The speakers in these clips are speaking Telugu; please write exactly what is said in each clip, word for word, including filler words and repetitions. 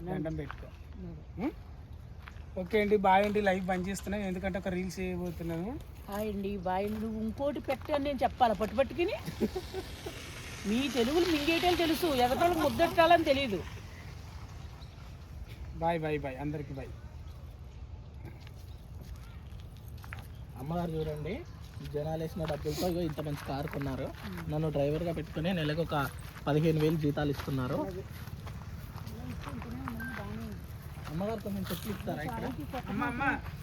దండం పెట్టుకో. ఓకే అండి, బాయ్ అండి. లైవ్ బంద్ చేస్తున్నాను ఎందుకంటే ఒక రీల్స్ చేయబోతున్నాను. హాయ్ అండి, బాయ్. నువ్వు ఇంకోటి పెట్టని నేను చెప్పాలా పట్టు పట్టుకుని? మీ తెలుగులు మింగేటోళ్ళు తెలుసు, ఎగటోళ్ళకి ముద్దెట్టాలని తెలియదు. బాయ్ బాయ్ బాయ్ అందరికి బాయ్. అమ్మగారు చూడండి, జనాలు వేసిన డబ్బులతో ఇగో ఇంత మంచి కారు కొన్నారు. నన్ను డ్రైవర్గా పెట్టుకుని నెలకు ఒక పదిహేను వేలు జీతాలు ఇస్తున్నారు. అమ్మగారు కొంచెం చెట్లు ఇస్తారా ఇక్కడ? అమ్మ అమ్మ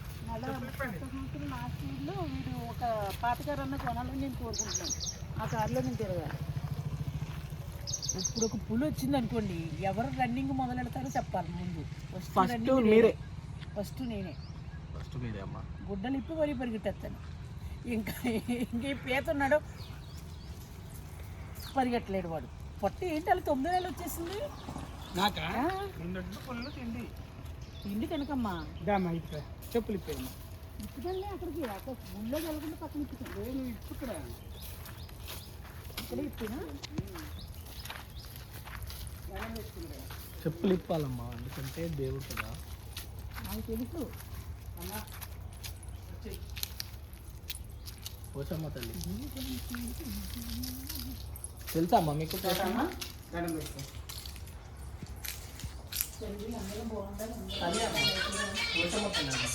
నా స్పీడ్లో వీడు ఒక పాతకారు అన్న కొనాలని నేను కోరుకుంటున్నాను. ఆ కారులో నేను తిరగాలి. ఇప్పుడు ఒక పులి వచ్చింది అనుకోండి, ఎవరు రన్నింగ్ మొదలు పెడతారో చెప్పాలి ముందు. ఫస్ట్ మీరే. ఫస్ట్ నేనే. ఫస్ట్ మీరే అమ్మ. గుడ్డలు ఇప్పి మరీ పరిగెట్టేస్తాను. ఇంకా ఇంక పీత ఉన్నాడు, పరిగెట్టలేడు వాడు. పొట్టి ఏంటి అలా తొమ్మిది వేలు వచ్చేసింది నాకా పళ్ళు తిండి తిండి కనుకమ్మా. దామా ఇక్కడ చెప్పులు ఇప్పేయమ్మా. ఇప్పుడల్లే అక్కడికి అక్కడ గుళ్ళో కలగకుండా పక్కన ఇప్పుతాను. నువ్వు ఇప్పు ఇక్కడ ఇక్కడే ఇప్పినా చెప్పులు ఇప్పాలమ్మా, ఎందుకంటే దేవుడు కదా. నాకు తెలుసు. అమ్మా పోచమ్మ తల్లి తెలుసా అమ్మా మీకు? అమ్మా దండం పెట్టుకో. అందరూ బాగుండాలి. పోచమ్మ తల్లి.